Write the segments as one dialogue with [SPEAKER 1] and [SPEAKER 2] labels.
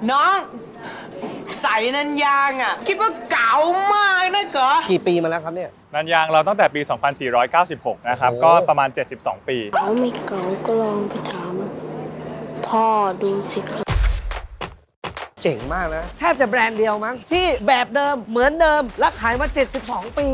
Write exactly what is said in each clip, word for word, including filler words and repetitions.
[SPEAKER 1] น้องใส่นันยางอ่ะคิดว่าเก๋ามากนะเก๋อ
[SPEAKER 2] กี่ปีมาแล้วครับเนี่ย
[SPEAKER 3] นันยางเราตั้งแต่ปี สองพันสี่ร้อยเก้าสิบหก นะครับก็ประมาณ เจ็ดสิบสอง ปี
[SPEAKER 4] เขาไม่เก๋าก็ลองไปถามพ่อดูสิครับ
[SPEAKER 2] เจ๋งมากนะแทบจะแบรนด์เดียวมั้งที่แบบเดิมเหมือนเดิมและขายมาเจ็ดสิบสองปี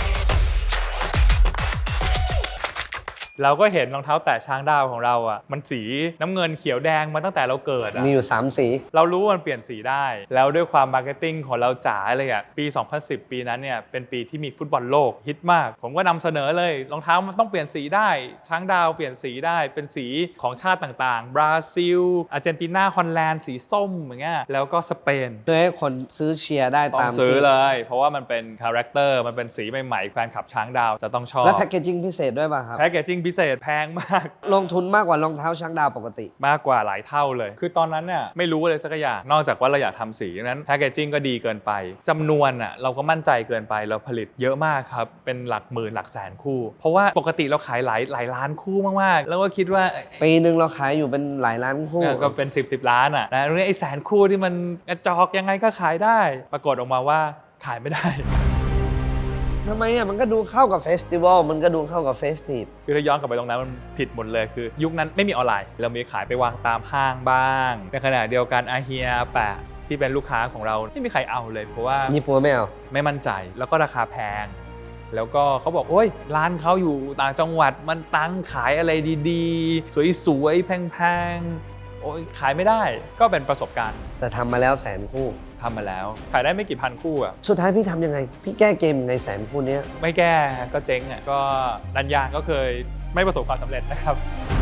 [SPEAKER 3] เราก็เห็นรองเท้าแตะช้างดาวของเราอ่ะมันสีน้ำเงินเขียวแดงมาตั้งแต่เราเกิดอ่ะ
[SPEAKER 2] มีอยู่สามสี
[SPEAKER 3] เรารู้ว่ามันเปลี่ยนสีได้แล้วด้วยความมาร์เก็ตติ้งของเราจ๋าเลยอ่ะปี สองพันสิบ ปีนั้นเนี่ยเป็นปีที่มีฟุตบอลโลกฮิตมากผมก็นำเสนอเลยรองเท้ามันต้องเปลี่ยนสีได้ช้างดาวเปลี่ยนสีได้เป็นสีของชาติต่างๆบราซิลอาร์เจนตินาฮอลแลนด์สีส้มอย่างเงี้ยแล้วก็สเปน
[SPEAKER 2] เพื่อให้คนซื้อเชียร์ได้ตาม
[SPEAKER 3] ซื้อเลยเพราะว่ามันเป็นคาแรคเตอร์มันเป็นสีใหม่ๆแฟนคลับช้างดาวจะต้องชอบ
[SPEAKER 2] และแพคเกจิ้งพิเศษด้วยป่ะครับ
[SPEAKER 3] แพคเกจิ้งพิเศษแพงมาก
[SPEAKER 2] ลงทุนมากกว่ารองเท้าช้างดาวปกติ
[SPEAKER 3] มากกว่าหลายเท่าเลยคือตอนนั้นเนี่ยไม่รู้อะไรสักอย่างนอกจากว่าเราอยากทำสีนั้นแพคเกจิ้งก็ดีเกินไปจำนวนอ่ะเราก็มั่นใจเกินไปเราผลิตเยอะมากครับเป็นหลักหมื่นหลักแสนคู่เพราะว่าปกติเราขายหลายหลายล้านคู่มากๆแล้วก็คิดว่า
[SPEAKER 2] ปีหนึ่งเราขายอยู่เป็นหลายล้านคู่
[SPEAKER 3] ก็เป็นสิบ สิบล้านอ่ะนะเรื่องไอ้แสนคู่ที่มันกระจอกยังไงก็ขายได้ปรากฏออกมาว่าขายไม่ได้
[SPEAKER 2] ทำไมอ่ะมันก็ดูเข้ากับเฟสติวัลมันก็ดูเข้ากับเฟสทีฟ
[SPEAKER 3] คือถ้าย้อนกลับไปตรงนั้นมันผิดหมดเลยคือยุคนั้นไม่มีออนไลน์เรามีขายไปวางตามห้างบ้างในขณะเดียวกันอาเฮียแปะที่เป็นลูกค้าของเราไม่มีใครเอาเลยเพราะว่า
[SPEAKER 2] ญี่ปุ่นไม่เอา
[SPEAKER 3] ไม่มั่นใจแล้วก็ราคาแพงแล้วก็เขาบอกโอ้ยร้านเขาอยู่ต่างจังหวัดมันตั้งขายอะไรดีๆสวยๆแพงๆโอ้ยขายไม่ได้ก็เป็นประสบการณ์
[SPEAKER 2] แต่ทำมาแล้วแสนคู่
[SPEAKER 3] ทำมาแล้วขายได้ไม่กี่พันคู่อ่ะ
[SPEAKER 2] สุดท้ายพี่ทำยังไงพี่แก้เกมในแสนคู่นี้
[SPEAKER 3] ไม่แก้ก็เจ๊งอ่ะก็นันยางก็เคยไม่ประสบความสำเร็จนะครับ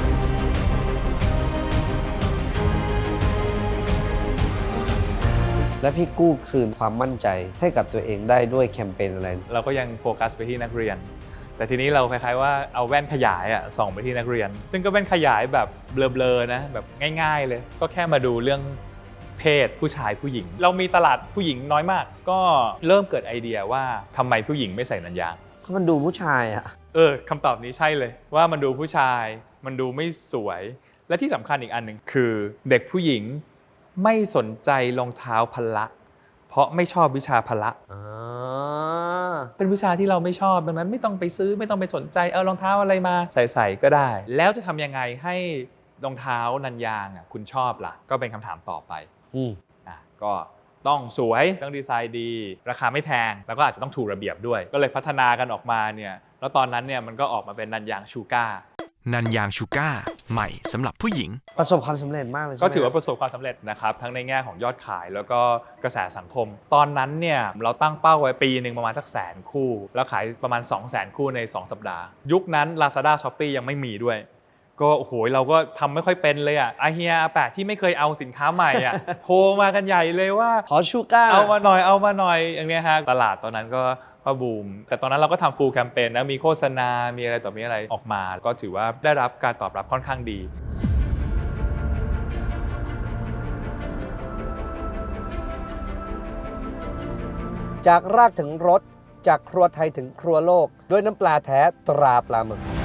[SPEAKER 2] และพี่กู้คืนความมั่นใจให้กับตัวเองได้ด้วยแคมเปญอะไร
[SPEAKER 3] เราก็ยังโฟกัสไปที่นักเรียนแต่ทีนี้เราคล้ายๆว่าเอาแว่นขยายอ่ะส่องไปที่นักเรียนซึ่งก็เป็นขยายแบบเบลอๆนะแบบง่ายๆเลยก็แค่มาดูเรื่องเพศผู้ชายผู้หญิงเรามีตลาดผู้หญิงน้อยมากก็เริ่มเกิดไอเดียว่าทำไมผู้หญิงไม่ใส่นันยาง
[SPEAKER 2] เพราะมันดูผู้ชายอ่ะ
[SPEAKER 3] เออคำตอบนี้ใช่เลยว่ามันดูผู้ชายมันดูไม่สวยและที่สำคัญอีกอันหนึ่งคือเด็กผู้หญิงไม่สนใจรองเท้าพละเพราะไม่ชอบวิชาพละเป็นวิชาที่เราไม่ชอบดังนั้นไม่ต้องไปซื้อไม่ต้องไปสนใจเอารองเท้าอะไรมาใส่ๆก็ได้แล้วจะทำยังไงให้รองเท้านันยางอ่ะคุณชอบล่ะก็เป็นคำถามต่อไป
[SPEAKER 2] อืม
[SPEAKER 3] อ่ะก็ต้องสวยต้องดีไซน์ดีราคาไม่แพงแล้วก็อาจจะต้องถูกระเบียบด้วยก็เลยพัฒนากันออกมาเนี่ยแล้วตอนนั้นเนี่ยมันก็ออกมาเป็นนันยางชูก้า
[SPEAKER 5] นันยางชูก้าใหม่สำหรับผู้หญิง
[SPEAKER 2] ประสบความสำเร็จมากเลย
[SPEAKER 3] ก็ถือว่าประสบความสำเร็จนะครับทั้งในแง่ของยอดขายแล้วก็กระแสสังคมตอนนั้นเนี่ยเราตั้งเป้าไว้ปีหนึ่งประมาณสักแสนคู่แล้วขายประมาณ สองแสน คู่ในสองสัปดาห์ยุคนั้น Lazada Shopee ยังไม่มีด้วยก็โอ้โหเราก็ทำไม่ค่อยเป็นเลยอ่ะอาเฮียอาแปะที่ไม่เคยเอาสินค้าใหม่อ่ะ โทรมากันใหญ่เลยว่า
[SPEAKER 2] ขอชูก้า
[SPEAKER 3] เอามาหน่อยเอามาหน่อยอย่างเงี้ยฮะตลาดตอนนั้นก็ก็บูมแต่ตอนนั้นเราก็ทำฟูลแคมเปญนะมีโฆษณามีอะไรต่อมีอะไรออกมาก็ถือว่าได้รับการตอบรับค่อนข้างดี
[SPEAKER 2] จากรากถึงรสจากครัวไทยถึงครัวโลกด้วยน้ำปลาแท้ตราปลาหมึก